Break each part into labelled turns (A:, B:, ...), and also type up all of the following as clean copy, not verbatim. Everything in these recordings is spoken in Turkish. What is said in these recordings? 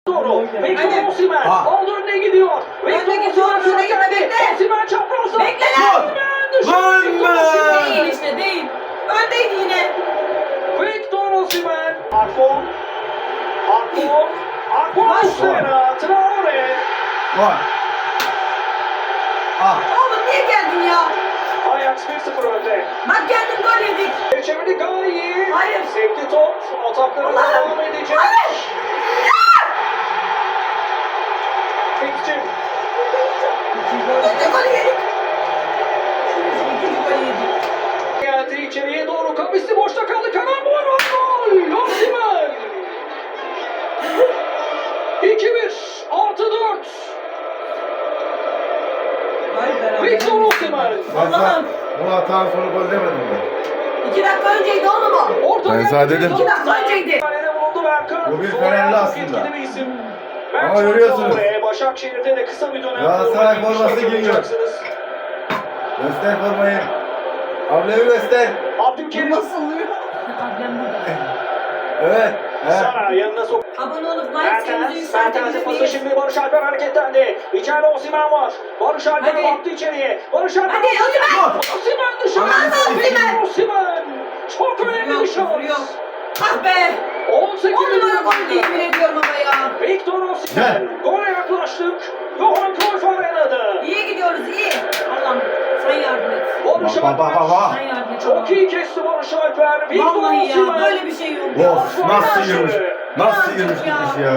A: Doğru. Victor Osimhen. Aldı önüne gidiyor.
B: Önüne gitme, bekle.
A: Osimhen çaprazda.
B: Bekle lan.
A: Lan be.
B: Değil işte değil. Öndeydi yine.
A: Victor Osimhen. Arfon. Muslera. Traore.
C: Var.
B: Oğlum niye geldin ya?
A: Ajax 1-0 önde.
B: Bak geldin gol yedik.
A: Çevirdi Gayi.
B: Hayır.
A: Sevdi top. Ataklara
B: Allah'ım.
A: devam edecek.
B: Hayır.
A: Fikçim.
B: İkinci golü yedik. İkinci golü yedik.
A: Geldi içeriye doğru. Kamisi boşta kaldı. Karambol var. Gol. Osimhen. 2-1. +4. Victor Osimhen.
B: Allah'ım.
C: Bu hatadan sonra gol demedim ben.
B: 2 dakika önceydi oğlum o.
A: Orta
C: Ben sana dedim.
B: 2 dakika önceydi.
A: Kalede bulundu Berkan.
C: Bu bir
A: Sol
C: Fenerli
A: ayağı çok
C: aslında.
A: etkili bir isim.
C: Ama
A: Berkan
C: görüyorsunuz.
A: Traore, Başakşehir'de de kısa bir dönem
C: Galatasaray
A: forma giymiş,
C: forması giyiyor.
A: hatırlayacaksınız.
C: Göster formayı. Ablemi göster.
A: Abdülkerim.
B: Nasıl oluyor? Ablam burada.
C: Evet.
A: Sara yanına sok.
B: Abone olup like sevinizi
A: Mertens
B: yükseltebilir
A: pası
B: miyiz?
A: şimdi Barış Alper hareketlendi. İçeride Osimhen var. Barış Alper
B: Hadi.
A: baktı içeriye. Barış Alper.
B: Hadi Osimhen!
A: Osimhen dışarı.
B: Aman Osimhen!
A: Osimhen. Çok önemli bir
B: Yok,
A: şans.
B: yok. Ah be!
A: 18
B: 10 numara gol değil yemin ediyorum ama ya.
A: Victor Osimhen. Gole yaklaştık. Johan Cruyff Arena'da.
B: İyi gidiyoruz iyi. Allah'ım sen yardım et.
A: Barış
C: Bak, bak, bak, bak.
B: Sen yardım et.
A: Çok iyi kesti Barış Alper. Victor
B: Vallahi ya
A: Osimhen.
B: böyle bir şey yok.
C: Of nasıl yürümüş. Nasıl
B: Birazcık
C: yürümüş
B: ya.
C: gitmiş ya.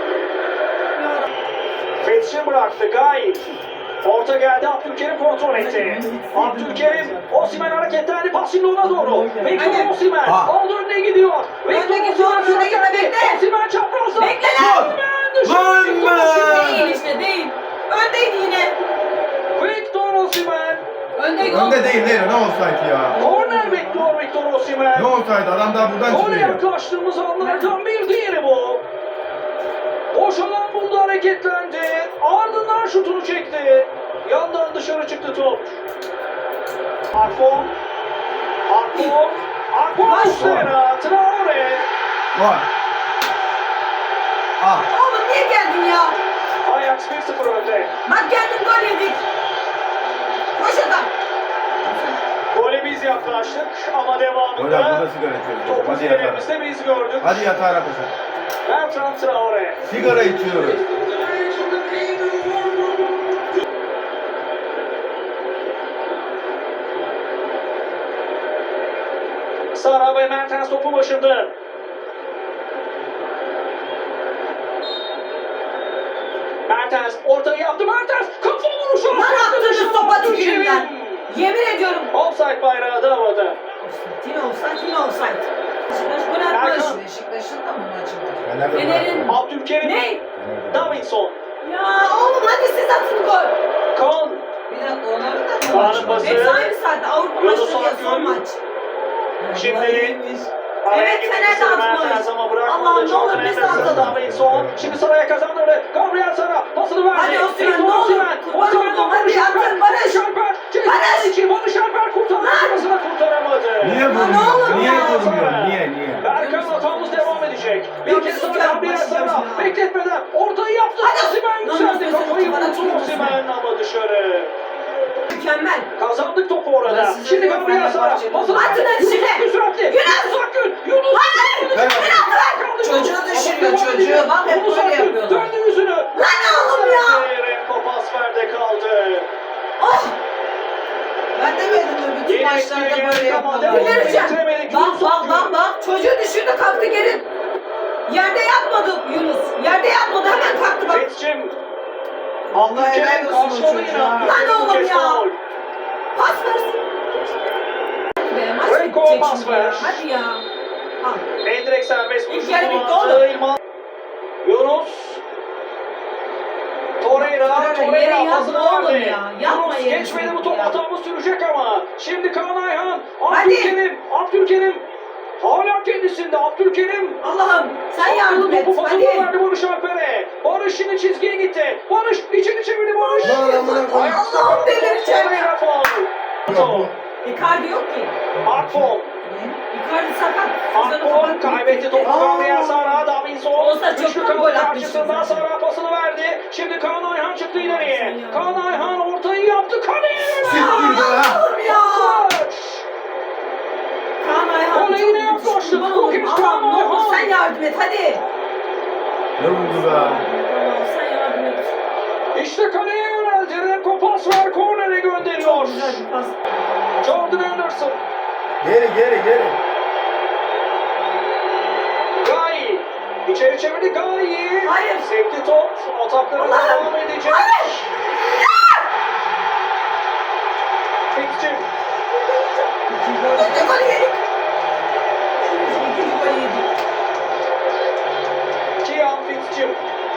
A: Fetiş'i bıraktı Gayet. Orta geldi, Abdülkerim kontrol etti. Abdülkerim, Osimhen hareketlendi, pas şimdi ona doğru. Victor
B: Hadi.
A: Osimhen, aldı önüne gidiyor.
B: Önüne gidiyor, önüne gitme, bekle.
A: Osimhen çaprazda.
B: Bekle lan.
A: Osimhen dışarı.
C: Lan be.
B: Değil işte değil. Öndeydi yine.
A: Victor Osimhen.
B: Öndeydi.
C: Önde değil değil. Ne olsaydı ya.
A: Korner bekliyor Victor Osimhen.
C: Ne olsaydı adam daha buradan
A: Gole
C: çıkıyor.
A: yaklaştığımız anlardan bir diğeri bu. Boş alan buldu, hareketlendi. Ardından şutunu çekti. Yandan dışarı çıktı top. Arfon. Muslera. Traore.
C: Var.
B: Oğlum niye geldin ya?
A: Ajax 1-0 önde.
B: Bak geldin gol yedik. Koş adam.
A: Gole biz yaklaştık ama
C: Hocam
A: devamında
C: burada sigara içiyoruz.
A: topu
C: Hadi yatağa.
A: zilerimizde biz gördük.
C: Hadi yatağına koşun.
A: Bertrand Traore.
C: Sigara içiyoruz.
A: Sara ve Mertens topu başında. Mertens ortayı yaptı. Mertens kafa vuruşu.
B: Lan attığınız topa tüküreyim ben. Yemin ediyorum.
A: Offside bayrağı da havada.
B: Yine offside. Beşiktaş gol atmış.
A: Erkan.
B: Beşiktaş'ın da mı maçı var?
C: Fener'de
B: Fener'in-
C: bırakın.
A: Abdülkerim.
B: Ne?
A: Davinson.
B: Ya oğlum hadi siz atın gol.
A: Kaan.
B: Bir dakika onların da
A: Kaan'ın
B: maçı var.
A: pası.
B: Hepsi aynı saatte Avrupa
A: Yunus
B: maçları ya son
A: Akgün.
B: maç.
A: Şimdi
B: Evet,
A: araya girmek
B: Fener de
A: istedi
B: atmış.
A: Mertens ama bırakmadı.
B: Allah'ım, ne olur
A: Jordan
B: biz de
A: Henderson,
B: atalım.
A: Davinson. Şimdi Sara'ya kazandırdı. Gabriel Sara pasını verdi.
B: Hadi Osimhen,
A: Victor
B: ne olur.
A: Osimhen.
B: Kurban
A: Osimhen'den
B: oldum, hadi
A: Barış Alper.
B: atın, Barış.
A: Alper. Ceza
B: Barış.
A: içi. Barış Alper kurtardı. Sırasını kurtaramadı.
C: Niye
B: Ya ne
C: vurmuyor?
B: olur
C: Niye
B: ya.
C: vurmuyor? Niye?
A: Berkan hatamız devam edecek. Bir
B: Ya
A: kez
B: biz
A: daha
B: ya,
A: Gabriel
B: başlayacağız
A: Sara.
B: ya.
A: Bekletmeden ortayı yaptı.
B: Hadi.
A: Osimhen
B: Lan
A: yükseldi.
B: nefes
A: Kafayı
B: bana
A: vurdu
B: tükürdü.
A: Osimhen ama dışarı.
B: Mükemmel.
A: Kazandık topu orada.
B: Ben size
A: Şimdi
B: diyorum,
A: Gabriel Sara.
B: Fenerbahçe'nin-
A: Pasını
B: Atın
A: verdi.
B: hadi şimdi.
A: Yunus süratli.
B: Yunus.
A: Akgün. Yunus.
C: Ben-
B: Çocuğu düşürüyor, çocuğu. Bak hep böyle yapıyorlar.
A: Döndü yüzünü.
B: Lan oğlum ya.
A: Renko pas verdi kaldı.
B: Oh.
D: Ben demedim mi bütün maçlarda böyle yapmalar.
B: Delireceğim. Bak. Çocuğu düşürdü kalktı geri. Yerde yatmadı Yunus. Yerde yatmadı hemen kalktı bak.
A: Fetiş'im.
D: Allah helal
A: Abdülkerim
D: olsun o
A: karşıladı
D: çocuğa.
A: yine.
B: Lan oğlum
A: Kez
B: ya.
A: faul.
B: Pas versin. Be, maç
A: Renko
B: bitecek
A: pas
B: şimdi ya.
A: ver.
B: Hadi ya. Al.
A: Endirek serbest
B: İlk
A: vuruş
B: yarı bitti
A: kullandı.
B: oğlum.
A: İlman. Yunus. Torreira
B: Yere yatma
A: pasını
B: oğlum
A: verdi.
B: ya. Yapma
A: Yunus
B: yere
A: geçmedi bu
B: sürekli
A: top,
B: ya.
A: hatamız sürecek ama. Şimdi Kaan Ayhan.
B: Hadi.
A: Abdülkerim. Hala kendisinde Abdülkerim.
B: Allah'ım sen yardım et.
A: Topu pasını
B: Hadi.
A: verdi Barış Alper'e. Barış şimdi çizgiye gitti. Barış içeri çevirdi Barış.
C: Lan amına koyayım.
B: Allah'ım delireceğim.
A: Torreira faul.
C: Ya bu-
B: Icardi yok ki.
A: Akfon.
B: Icardi sakat.
A: Akbol kaybetti topu. Gabriel Sara, Davinson.
B: Olsa
A: Üçlü
B: çoktan
A: kapı
B: gol atmıştı
A: karşısında
B: zaten.
A: Sara pasını verdi. Şimdi Kaan Ayhan çıktı ileriye.
B: Ya.
A: Kaan Ayhan ortayı yaptı. Kaleye
C: Siktir be.
B: Allah'ım ya. Kaan Ayhan
A: Gole yine yaklaştı.
B: kurban
A: Bu
B: olayım.
A: kez Kaan
B: Allah'ım ne olur
A: Ayhan.
B: sen yardım et hadi.
C: Ne vurdu be?
B: Allah'ım sen yardım et.
A: İşte kaleye yöneldi. Remco pas ver. Kornere gönderiyor.
B: Çok güzel bir pas.
A: Jordan Anderson.
C: Geri geri geri.
A: Gayi. İçeri çevirdi Gayi.
B: Hayır.
A: Sekti top. Atakları
B: Allah'ım.
A: devam edecek.
B: Hayır.
A: Fikçim.
B: İkinci golü yedik. İkinci golü yedik.
A: Kian Fikçim.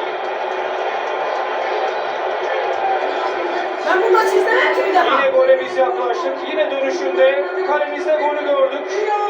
B: Ben bu maçı izlemem ki bir daha.
A: Yine gole biz yaklaştık. Yine dönüşünde kalemizde golü gördük.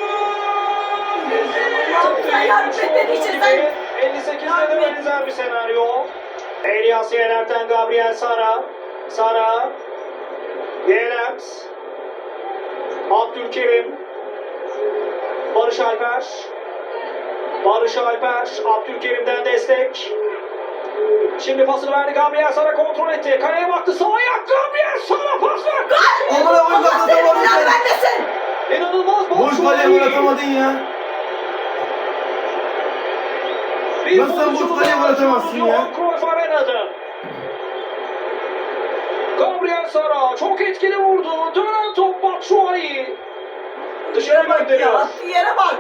B: Allah'ım sen yardım et dediği için sen.
A: 58'de de benzer bir senaryo. Elias Yener'den Gabriel Sara. Sara. Yener. Abdülkerim. Barış Alper. Barış Alper. Abdülkerim'den destek. Şimdi pasını verdi. Gabriel Sara kontrol etti. Kaleye baktı. Sağ ayak. Gabriel Sara pas ver.
C: Amına koyayım
B: Allah seni
C: atamadın
B: bilen
C: sen.
B: bendesin.
A: İnanılmaz
C: Boş
A: Batshuayi.
C: kaleye gol atamadın ya.
A: Bir
C: Nasıl sen boş
A: pozisyonu
C: kaleye gol
A: daha
C: atamazsın ya?
A: Johan Cruyff Arena'da. Gabriel Sara çok etkili vurdu. Dönen top Batshuayi. Dışarı
B: Yere bak ya.
A: gönderiyor.
B: Attığı yere bak.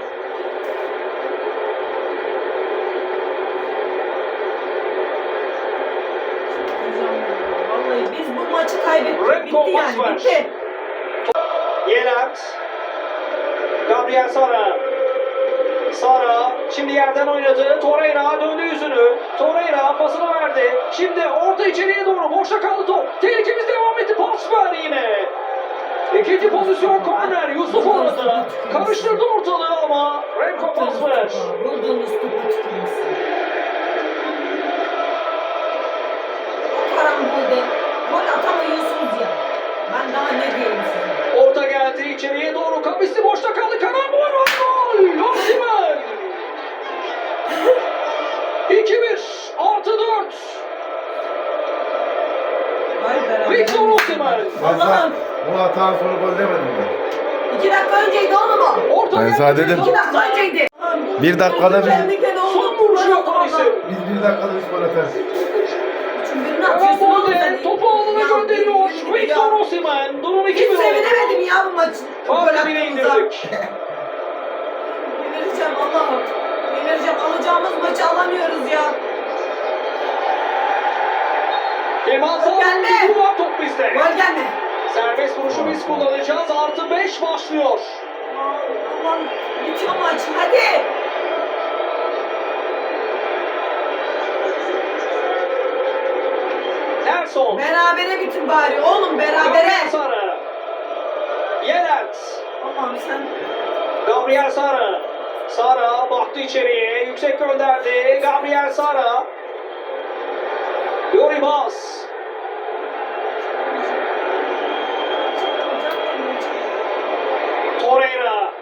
B: Vallahi biz bu maçı kaybettik.
A: Remco
B: Bitti
A: pas
B: yani.
A: ver.
B: Bitti.
A: Yelat. Gabriel Sara. Sara şimdi yerden oynadı. Torreira döndü yüzünü. Torreira pasını verdi. Şimdi orta içeriye doğru boşta kaldı top. Tehlikemiz devam etti. Pas ver yine. İkinci pozisyon korner. Yusuf orada. Karıştırdı ortalığı ama Remco pas ver.
B: Vurduğunuz topa tuttunuz. O karambolde gol atamıyorsunuz ya. Ben daha ne diyeyim size.
A: Orta geldi içeriye doğru. Kamisti boşta kaldı. Karambol var. Gol. Osimhen. 2-1 artı 4.
B: Vay beraber.
A: Victor Osimhen.
B: Allah'ım.
C: Bu hatadan sonra gol demedim ben.
B: 2 dakika önceydi oğlum o.
A: Orta
C: Ben
A: geldi.
C: sana dedim.
B: 2 dakika önceydi.
C: Bir dakikada biz-
B: Kendi
A: Son vuruşu yapan isim.
C: Biz bir dakikada 3 gol atarız.
B: Üçün birini atıyorsun oğlum sen.
A: Karambolde topu alana gönderiyor. Victor Osimhen. Durum 2-1
B: Hiç
A: oldu.
B: sevinemedim ya bu maçı.
A: Farkı bile indirdik.
B: Delireceğim Allah'ım. Delireceğim. Alacağımız maçı alamıyoruz ya.
A: Kemal
B: Gelme.
A: Sağlam var top bizde.
B: Gol gelme.
A: Serbest vuruşu biz kullanacağız. Artı 5 başlıyor.
B: Allah'ım bitiyor maç. Hadi.
A: Nelson.
B: Berabere bitir bari. Oğlum berabere.
A: Sara. Yelert.
B: Allah'ım sen.
A: Gabriel Sara. Sara baktı içeriye. Yüksek gönderdi. Gabriel Sara. Yoribas. Torreira.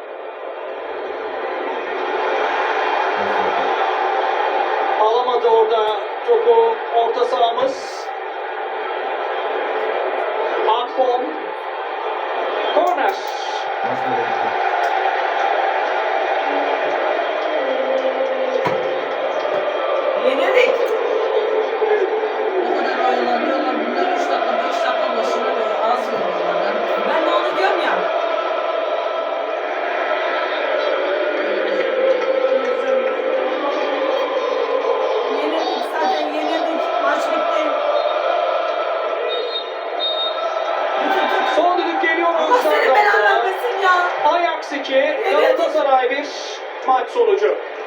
A: Alamadı orada topu orta sahamız. Akbom. Korner.
C: Nasıl böyle gitti?
B: Yenildik.
D: O kadar oyalanıyorlar. Bunlar 3 dakika 5 dakika başına böyle az veriyorlar.
B: Ben de onu diyorum ya. Yenildik zaten yenildik. Maç bitti. Bitirdik.
A: Son düdük geliyor.
B: Allah seni belanı vermesin ya.
A: Ajax 2, Galatasaray 1 maç sonucu.